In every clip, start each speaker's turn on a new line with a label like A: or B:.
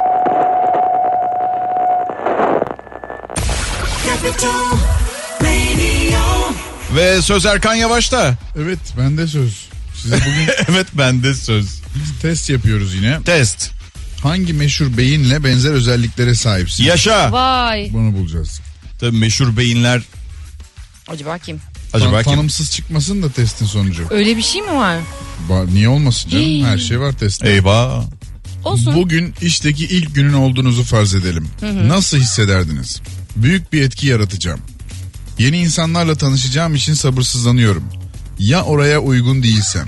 A: Ve söz Erkan Yavaş'ta.
B: Evet, bende söz. Size bugün
A: Evet, bende söz.
B: test yapıyoruz yine.
A: Test.
B: Hangi meşhur beyinle benzer özelliklere sahipsin?
A: Yaşa.
C: Vay.
B: Bunu bulacağız.
A: Tabii meşhur beyinler.
C: Acaba kim?
A: Acaba kim?
B: Tanımsız çıkmasın da testin sonucu.
C: Öyle bir şey mi var?
B: Niye olmasın canım? Her şey var testte.
A: Eyvah.
C: Olsun.
B: Bugün işteki ilk günün olduğunuzu farz edelim. Nasıl hissederdiniz? Büyük bir etki yaratacağım. Yeni insanlarla tanışacağım için sabırsızlanıyorum. Ya oraya uygun değilsem?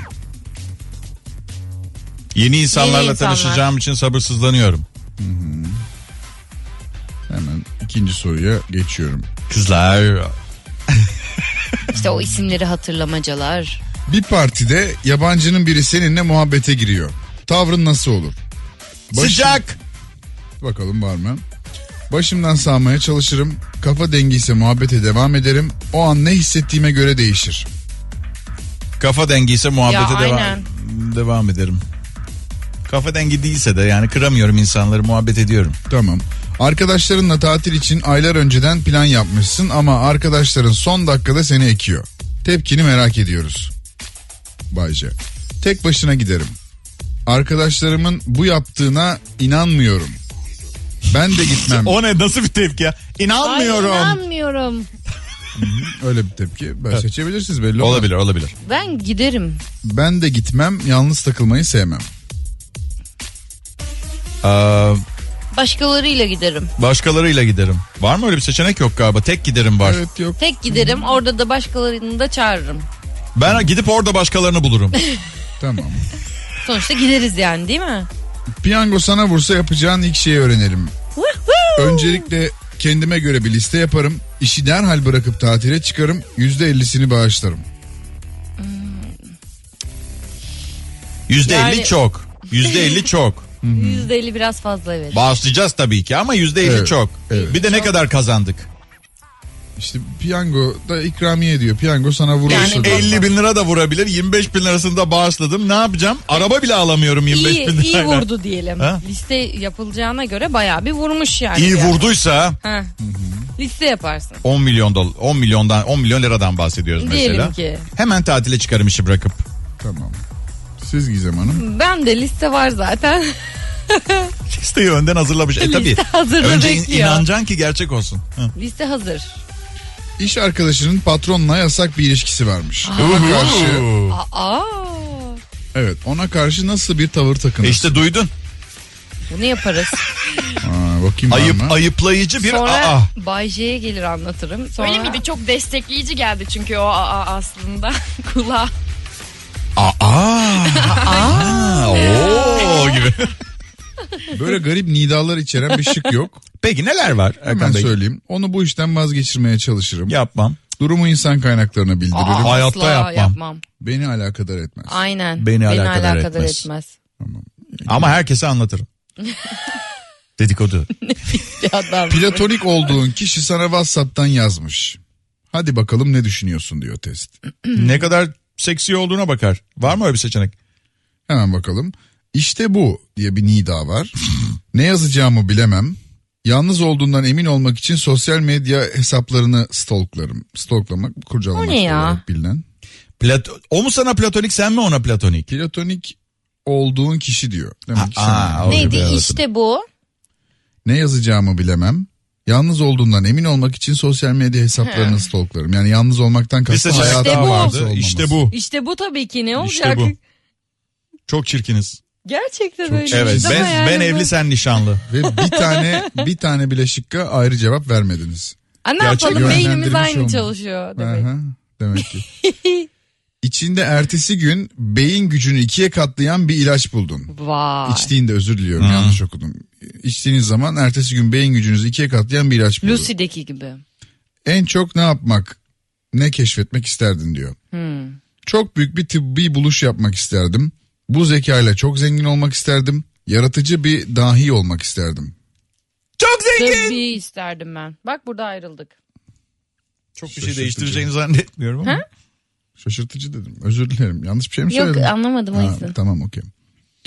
A: Yeni insanlarla
C: Yeni insanlar.
A: tanışacağım için sabırsızlanıyorum.
B: Hemen ikinci soruya geçiyorum.
A: Kızlar.
C: İşte o isimleri hatırlamacalar.
B: Bir partide yabancının biri seninle muhabbete giriyor. Tavrın nasıl olur?
A: Sıcak.
B: Bakalım var mı? Başımdan sağmaya çalışırım. Kafa dengiyse muhabbete devam ederim. O an ne hissettiğime göre değişir.
A: Kafa dengiyse muhabbete
C: Ya, aynen.
A: devam ederim. Kafa dengi değilse de yani kıramıyorum insanları, muhabbet ediyorum.
B: Tamam. Arkadaşlarınla tatil için aylar önceden plan yapmışsın ama arkadaşların son dakikada seni ekiyor. Tepkini merak ediyoruz. Bayce. Tek başına giderim. Arkadaşlarımın bu yaptığına inanmıyorum. Ben de gitmem.
A: O ne, nasıl bir tepki ya? İnanmıyorum.
C: Ay, inanmıyorum.
B: Öyle bir tepki. Ben seçebilirsiniz belli olmaz.
A: Olabilir.
C: Ben giderim.
B: Ben de gitmem. Yalnız takılmayı sevmem.
C: Başkalarıyla giderim.
A: Başkalarıyla giderim. Var mı öyle bir seçenek? Yok galiba. Tek giderim var.
B: Evet, yok.
C: Tek giderim. Orada da başkalarını da çağırırım.
A: Ben gidip orada başkalarını bulurum.
B: Tamam.
C: Sonuçta gideriz yani, değil mi?
B: Piyango sana vursa yapacağın ilk şeyi öğrenelim. Öncelikle kendime göre bir liste yaparım. İşi derhal bırakıp tatile çıkarım. %50'sini bağışlarım.
A: %50
C: Yani-
A: çok. %50 çok.
C: %50 biraz fazla, evet.
A: Bağışlayacağız tabii ki ama %50
B: Evet,
A: çok.
B: evet.
A: Bir de ne kadar kazandık?
B: İşte piyango da ikramiye diyor. Piyango sana vurursa.
C: Yani
B: da-
A: 50 bin lira da vurabilir. 25 bin lirasını da bağışladım. Ne yapacağım? Araba bile alamıyorum 25 bin lirayla.
C: İyi vurdu diyelim.
A: Ha?
C: Liste yapılacağına göre bayağı bir vurmuş yani.
A: İyi
C: Yani.
A: vurduysa
C: Ha. Liste yaparsın.
A: 10 milyon liradan bahsediyoruz
C: Diyelim
A: mesela.
C: ki.
A: Hemen tatile çıkarım işi bırakıp.
B: Tamam. Siz Gizem Hanım.
C: Ben de liste var zaten.
A: Listeyi önden hazırlamış. Tabii.
C: Liste hazırda
A: Önce
C: bekliyor.
A: inanacaksın ki gerçek olsun. Hı.
C: Liste hazır.
B: İş arkadaşının patronla yasak bir ilişkisi varmış. Ona karşı nasıl bir tavır takınırsın?
A: İşte duydun.
C: Bunu yaparız.
B: Bakayım var mı?
A: Ayıplayıcı bir
C: Sonra Bay J'ye gelir anlatırım. Sonra...
D: Öyle miydi? Çok destekleyici geldi çünkü o aslında kulağa.
A: Oo gibi.
B: Böyle garip nidalar içeren bir şık yok.
A: Peki neler var
B: Hemen
A: Erkan Bey?
B: söyleyeyim. Onu bu işten vazgeçirmeye çalışırım.
A: Yapmam.
B: Durumu insan kaynaklarına bildiririm.
A: Hayatta
C: Asla
A: yapmam.
B: Beni alakadar etmez.
C: Aynen.
A: Beni alakadar
C: etmez.
A: etmez. Ama herkese anlatırım. Dedikodu.
C: Bir adam.
B: Platonik olduğun kişi sana WhatsApp'tan yazmış. Hadi bakalım ne düşünüyorsun diyor test.
A: Ne kadar seksi olduğuna bakar. Var mı öyle bir seçenek?
B: Hemen bakalım. İşte bu diye bir nida var. Ne yazacağımı bilemem. Yalnız olduğundan emin olmak için sosyal medya hesaplarını stalklarım. Stalklamak, kurcalamak
C: O ne ya?
B: olarak bilinen.
A: O mu sana platonik, sen mi ona platonik?
B: Platonik olduğun kişi diyor. Demek ki sen-
A: o
C: Neydi?
A: gibi, evet.
C: İşte bu.
B: Ne yazacağımı bilemem. Yalnız olduğundan emin olmak için sosyal medya hesaplarını stalklarım. Yani yalnız olmaktan
A: Bir
B: kastım
A: seçenek
B: hayatın
A: daha
C: bu.
B: varsa
A: vardı.
B: olmaması.
A: İşte bu.
C: İşte bu tabii ki, ne
A: İşte
C: olacak?
A: bu. Çok çirkiniz.
C: Gerçekten
B: Çok
C: öyle.
A: Evet.
C: Ama yani
A: Ben
C: bu-
A: evli, sen nişanlı.
B: Ve bir tane bile şıkka ayrı cevap vermediniz.
C: Ne
A: Gerçek
C: yapalım, beynimiz
B: yönlendirilmiş
C: aynı
B: olmuş.
C: çalışıyor demek.
B: Aha, demek ki. İçinde ertesi gün beyin gücünü 2'ye katlayan bir ilaç buldun.
C: Vay.
B: İçtiğinde, özür diliyorum, yanlış okudum. İçtiğiniz zaman ertesi gün beyin gücünüzü 2'ye katlayan bir ilaç buldun.
C: Lucy'deki gibi.
B: En çok ne yapmak, ne keşfetmek isterdin diyor. Çok büyük bir tıbbi buluş yapmak isterdim. Bu zekayla çok zengin olmak isterdim. Yaratıcı bir dahi olmak isterdim.
A: Çok zengin.
C: Tabii isterdim ben. Bak burada ayrıldık.
A: Çok bir şey değiştireceğini zannetmiyorum ama.
B: Şaşırtıcı dedim. Özür dilerim. Yanlış bir şey mi
C: Yok,
B: söyledim?
C: anlamadım o
B: Ha,
C: yüzden.
B: tamam, okey.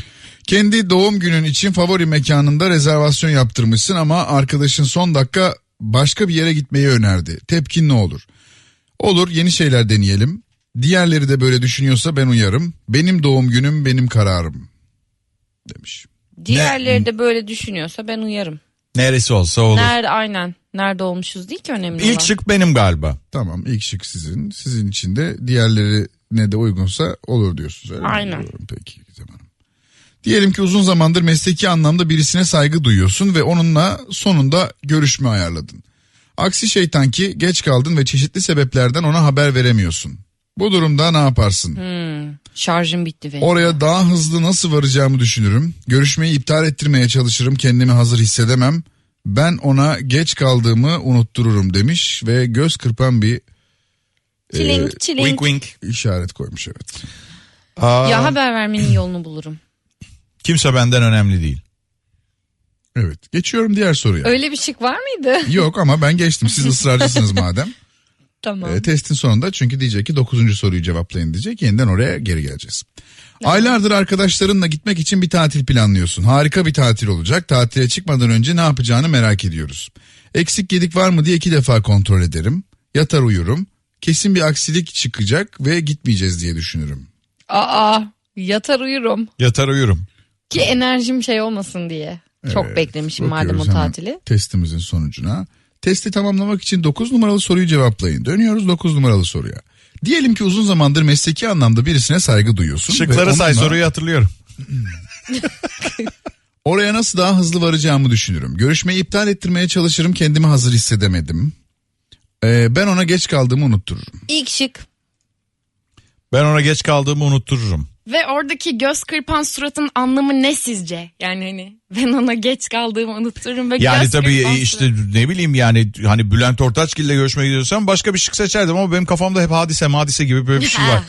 B: Kendi doğum günün için favori mekanında rezervasyon yaptırmışsın ama arkadaşın son dakika başka bir yere gitmeyi önerdi. Tepkin ne olur? Olur, yeni şeyler deneyelim. Diğerleri de böyle düşünüyorsa ben uyarım. Benim doğum günüm benim kararım demiş.
C: Diğerleri de böyle düşünüyorsa ben uyarım.
A: Neresi olsa olur.
C: Aynen. Nerede olmuşuz değil ki önemli olan.
A: İlk şık benim galiba.
B: Tamam, ilk şık sizin. Sizin için de diğerlerine de uygunsa olur diyorsunuz. Öyle mi?
C: Aynen.
B: Olur, peki Gizem Hanım. Diyelim ki uzun zamandır mesleki anlamda birisine saygı duyuyorsun ve onunla sonunda görüşme ayarladın. Aksi şeytan ki geç kaldın ve çeşitli sebeplerden ona haber veremiyorsun. Bu durumda ne yaparsın?
C: Şarjım bitti benim.
B: Oraya daha hızlı nasıl varacağımı düşünürüm. Görüşmeyi iptal ettirmeye çalışırım. Kendimi hazır hissedemem. Ben ona geç kaldığımı unuttururum demiş ve göz kırpan bir
C: Çilink.
A: Wink wink.
B: işaret koymuş, evet.
C: Ya haber vermenin yolunu bulurum.
A: Kimse benden önemli değil.
B: Evet, geçiyorum diğer soruya.
C: Öyle bir şık var mıydı?
B: Yok ama ben geçtim, siz ısrarcısınız madem.
C: Tamam.
B: Testin sonunda çünkü diyecek ki 9. soruyu cevaplayın diyecek, yeniden oraya geri geleceğiz. Aylardır arkadaşlarınla gitmek için bir tatil planlıyorsun. Harika bir tatil olacak. Tatile çıkmadan önce ne yapacağını merak ediyoruz. Eksik gedik var mı diye 2 defa kontrol ederim. Yatar uyurum. Kesin bir aksilik çıkacak ve gitmeyeceğiz diye düşünürüm.
C: Yatar uyurum.
A: Yatar uyurum.
C: Ki enerjim şey olmasın diye. Çok beklemişim madem o
B: Bakıyoruz hemen
C: tatili.
B: testimizin sonucuna. Testi tamamlamak için 9 numaralı soruyu cevaplayın. Dönüyoruz 9 numaralı soruya. Diyelim ki uzun zamandır mesleki anlamda birisine saygı duyuyorsun. ve
A: Şıkları say,
B: onunla
A: soruyu hatırlıyorum.
B: oraya nasıl daha hızlı varacağımı düşünürüm. Görüşmeyi iptal ettirmeye çalışırım, kendimi hazır hissedemedim. Ben ona geç kaldığımı unuttururum.
C: İlk şık.
A: Ben ona geç kaldığımı unuttururum.
D: Ve oradaki göz kırpan suratın anlamı ne sizce? Yani hani ben ona geç kaldığımı unuturum ve
A: Yani
D: göz
A: tabii
D: kırpan
A: işte ne bileyim yani hani Bülent Ortaçgil'le görüşmeye gidiyorsam başka bir şık seçerdim ama benim kafamda hep hadise gibi böyle bir şey var.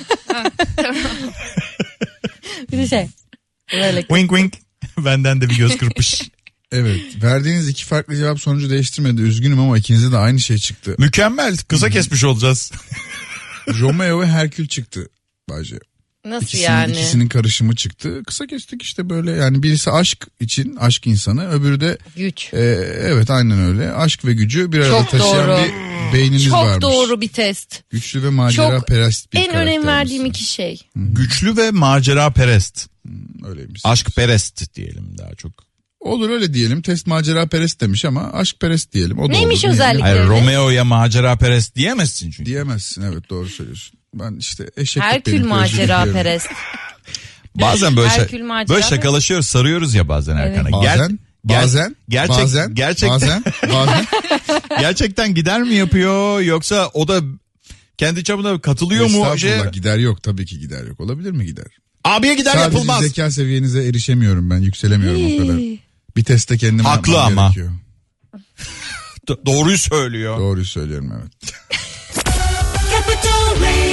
C: Bir de şey. Böyle.
A: Wink wink. Benden de bir göz kırpış.
B: Evet, verdiğiniz 2 farklı cevap sonucu değiştirmedi. Üzgünüm ama ikinizde de aynı şey çıktı.
A: Mükemmel. Kısa kesmiş olacağız.
B: Romeo ve Herkül çıktı Bayce.
C: Nasıl yani?
B: İkisinin karışımı çıktı. Kısa kestik işte böyle, yani birisi aşk için, aşk insanı, öbürü de
C: Güç.
B: evet aynen öyle. Aşk ve gücü bir arada
C: Çok
B: taşıyan
C: doğru.
B: bir beyniniz
C: Çok
B: varmış.
C: doğru bir test.
B: Güçlü ve macera perest bir
C: En önem
B: karaktermişsin.
C: verdiğim 2 şey.
A: Güçlü ve macera perest.
B: Öyleymiş.
A: Aşk perest diyelim daha çok.
B: Olur öyle diyelim. Test macera perest demiş ama aşk perest diyelim. O da
C: Neymiş
B: olur.
C: özellikle?
A: Hayır,
C: Evet.
A: Romeo'ya macera perest diyemezsin çünkü.
B: Diyemezsin, evet doğru söylüyorsun. Ben işte eşeklik
C: Herkül
B: benim, özür
C: macera
B: diliyorum.
C: perest.
A: Bazen böyle,
C: Herkül macera
A: böyle
C: perest.
A: şakalaşıyoruz, sarıyoruz ya bazen Erkan'a.
B: Bazen, bazen, bazen,
A: gerçekten,
B: bazen.
A: gerçekten gider mi yapıyor yoksa o da kendi çapında katılıyor mu?
B: Estağfurullah, gider yok, tabii ki gider yok. Olabilir mi gider?
A: Abiye gider
B: Sadece
A: yapılmaz.
B: zeka seviyenize erişemiyorum ben, yükselemiyorum o kadar. Bir testte kendime
A: Haklı
B: yapmam
A: ama.
B: gerekiyor.
A: Doğruyu söylüyor.
B: Doğruyu söylüyorum, evet.
E: Capital Radio.